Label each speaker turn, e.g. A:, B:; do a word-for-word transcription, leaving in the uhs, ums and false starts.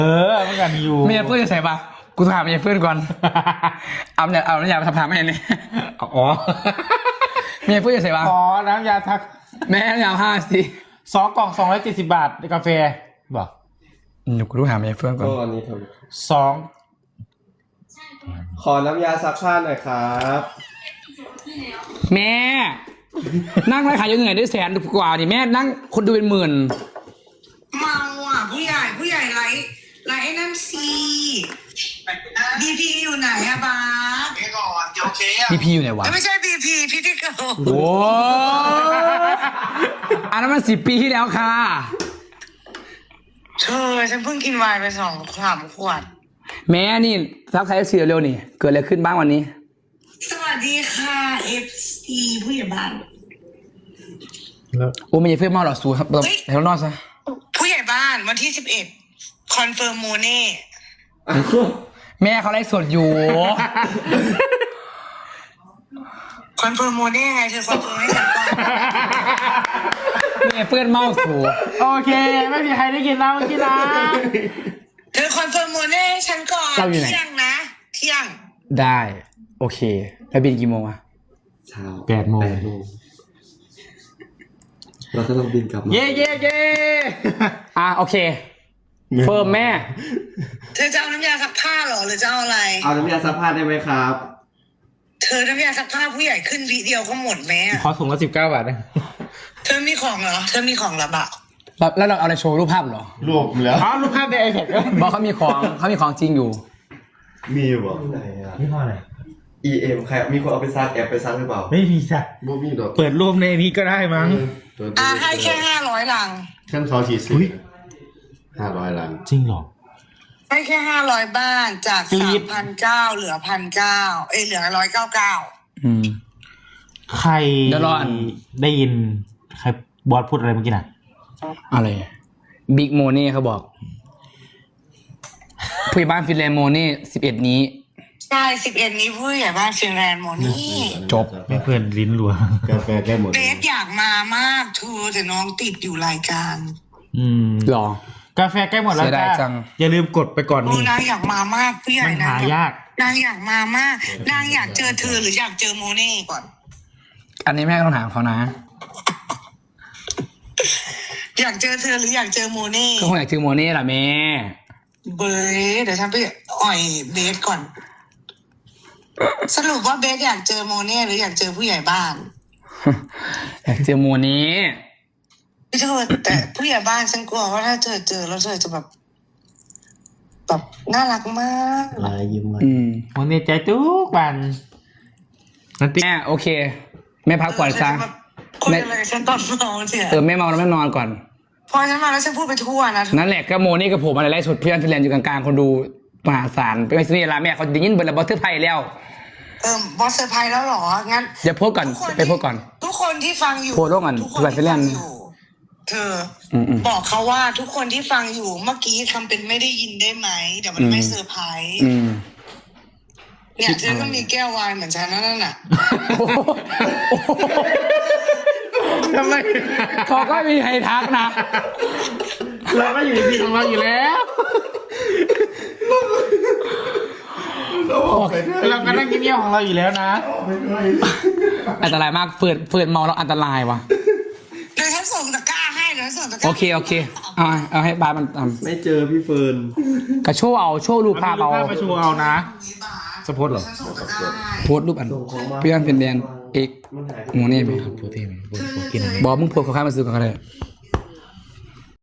A: เออมันกันอยู่
B: เมียเพื่อนจะใส่ปะกูถามเมียเพื่อนก่อนเอาเนี่ยเอาน้ำยามาทำทำให้เนี่ย
A: อ๋อ
B: เมียเพื่อนจะใส่ปะ
A: ขอน้ำยาทัก
B: แม่น้ำยาห้าสิ
A: สองกล่องสองร้อยเจ็ดสิบบาทในกาแฟบอก
B: หนูกูรู้หาเมียเพื่อนก่อน
C: ก็อันนี้ครับ
A: สอง
C: ขอน้ำยาซักผ้าหน่อยครับ
B: แม่นั่งไร้ขายยังเหนื่อยได้แสนกว่าดิแม่นั่งคนดูเป็นหมื่น
D: เมาอ่ะผู้ใหญ่ผู้ใหญ่ไลฟ์ไลฟ์ไอ้นั่นซีบีพีอยู่ไหนอะบาสเดี๋ยวก่อนโอเคอะ
B: บีพีอยู่ไหนวะ
D: ไม่ใช่บีพีพี่ที่เกิด
B: โอ้อันนั้นมันสิบปีที่แล้วค่ะ
D: เธอฉันเพิ่งกินไวน์ไปสองสามขวด
B: แม่นี่ทักทายเอฟซีเร็วๆนี่เกิดอะไรขึ้นบ้างวันนี้
D: สวัสดีค่ะเอฟซีผู้ใหญ่บ้าน
B: โอ้ไม่ใช่เพื่อนเมาหรอกสูครับแบบให้เรานอนซะ
D: ผู้ใหญ่บ้านวันที่สิบเอ็ดคอนเฟิร์มโมเน่
B: แม่เขาไลฟ์สดอยู่
D: คอนเฟิร์มโมเน่ไงเธอคอนเฟิร์มให้ฉันก่อน
B: แม่เพื่อนเมาสู
A: โอเคไม่มีใครได้กินแล้วเมื่อกี้นะ
D: เธอคอนเฟิร์มโมเน่ให้ฉันก่อนเที่ยงนะเที่ยง
B: ได้โอเคแล้วบินกี่โมงอะ
C: เช้า
A: แปดโมง
C: เราก็ต้องบินกลับมา
A: เย่เย่เย่
B: อ่ะโอเคเฟิร์มแม่
D: เธอจะเอาน้ำยาซักผ้าเหรอหรือจะเอาอะไร
C: เอาน้ำยาซักผ้าได้ไหมครับ
D: เธอน้ำยาซักผ้าผู้ใหญ่ขึ้นวิเดียวก็หมดไหมอะ
A: ขอถุงละสิบเก้าบาทนะ
D: เธอมีของเหรอเธอมีของเหรอบ่า
B: แล้วแล้วเราเอาอะไรโชว์รูปภาพเหรอ
C: รวมแล้ว
A: อ๋อรูปภาพในไอแพด
B: บอกเขามีของเขามีของจริงอยู่
C: มีอยู่บ่ไหนอ่ะ
A: นี่พออะไร
C: อี เอ็ม ใครมีคนเอาไปซักแอบไปซักหรือเปล่า
A: ไม่มีจ้ะ
C: บ่มีดอก
A: เปิดรูปในนี้ก็ได้มั้ง
C: ตัว
D: อ่ะให้แค่ห้าร้อยลัง
C: ขั้นเขาฉีดสิห้าร้อยล้าน
A: จริงเหรอ
D: ให้แค่ห้าร้อยบ้านจาก
A: กรี๊
D: สาม
A: ด
D: พันเก้าเหลือพันเก้าเอ้ยเหลือร้อยเก้าเก้า
B: อืม
A: ใคร
B: เดี๋ยวรออัน
A: ได้ยินใครบอสพูดอะไรเมื่อกี้น่ะ
B: อะไรบิ๊กโมเน่เขาบอกผู้ใหญ่บ้านฟินแลนด์โมเน่สิบเอ็ดนี้
D: ใช่สิบเอ็ดนี้ผู้ใหญ่บ้านฟินแลนด์โมนี่
B: จบ
A: ไม่เพื่อนลิ้นรัว
C: กาแฟแก้หมด
D: เบสอยากมามากเธอแต่น้องติดอยู่รายการ
A: อืม
B: หรอ
A: กาแฟใกล้หมดแล้ว
B: เสียดาย
A: จ้า
B: จัง
A: อย่าลืมกดไปก่อน
D: ดู
A: นี่
D: นางอยากมามากผู้ใหญ่
A: มัน
D: นะ
A: หายาก
D: นางอยากมามากนางอยากเจอเธอหรืออยากเจอโมเน่ก่อน
B: อันนี้แม่ก็ต้องถามเขานะ
D: อยากเจอเธอหรืออยากเจอโมเน่
B: ก็คงอยากเจอโมเน่แหละแม่
D: เบสเดี๋ยวฉันไปอ่อยเบสก่อน สรุปว่าเบสอยากเจอโมเน่หรืออยากเจอผู้ใหญ่บ้าน
B: อยากเจอโมเน่
D: พี่เธอแต่ผู้ใหญ่บ้านฉันกลัวว่าถ้าเธอเจอแล้วเธอจะแบบแบบน่ารักมาก
C: ลายยิ้มมา
B: อืม
A: วันนี้ใจทุกวันนันติ
B: แม่โอเค แม่พักผ่อนซะ
D: คุยอะไรฉันตอนเมาเนี่ย
B: เออแม่เมาแล้วแม่นอนก่อน
D: พอฉันมาแล้วฉันพูดไปทั่วนะ
B: นั่นแหละก็โมนี่กับผมอะไรไล่สุดเพื่อนฟินแลนด์อยู่กลางๆคนดูมหาศาลเป็นไงสินี่ละแม่เขาได้ยินเบอร์ละบอสเทอร์ไพยแล้ว
D: เออบอสเซอร์ไพรส์แล้วเหรองั้น
B: อย่าโพสต์ก่อน
D: ทุคน
B: ไปโพสต์ก่อน
D: ทุกคนที่ฟังอยู่
B: โพสต์ร่วมกัน
D: ทุกคน
B: ทุกวันไปเล่น
D: ที่ฟังอยู่เธออ
B: มๆ
D: บอกเขาว่าทุกคนที่ฟังอยู่เมื่อกี้ทำเป็นไม่ได้ยินได้ไหมเดี๋ยวมัน
B: อืม
D: ไม่เซอร์ไพรส์
B: อืม
D: เนี่ยเธอก็มีแก้ววายเหมือนฉันนั่นน่ะ
A: ทำไม
B: เขาก็มีใครทักนะ
A: เราก็อยู่ในที่ของเราอยู่แล้วเราก็นั่งเงียบๆของเราอยู่แล้วนะ
B: อันตรายมากเฟิร์นเฟิร์นเมาแล้วอันตรายวะ
D: เดี๋ยวฉันส่งตะกร้าให้เดี๋ยวฉันส่งตะกร้า
B: โอเคโอเคเอาเอาให้บาสมันท
C: ไม่เจอพี่เฟิร์น
B: ำกระโชว์เอาโชว์รูปภาพเอา
A: ภาพมาโชว์เอานะสปอร์ตเหรอ
D: ฉันส่งตะกร้าให้
B: โพสต์รูปอันเพื่อนฟินแลนด์เอก
C: มันหายไป
B: โมนี่ไป
A: โปรตีนโปรตีน
B: บอกมึงโพสต์เขาข้ามมาซื้อกันก็ได้
D: เ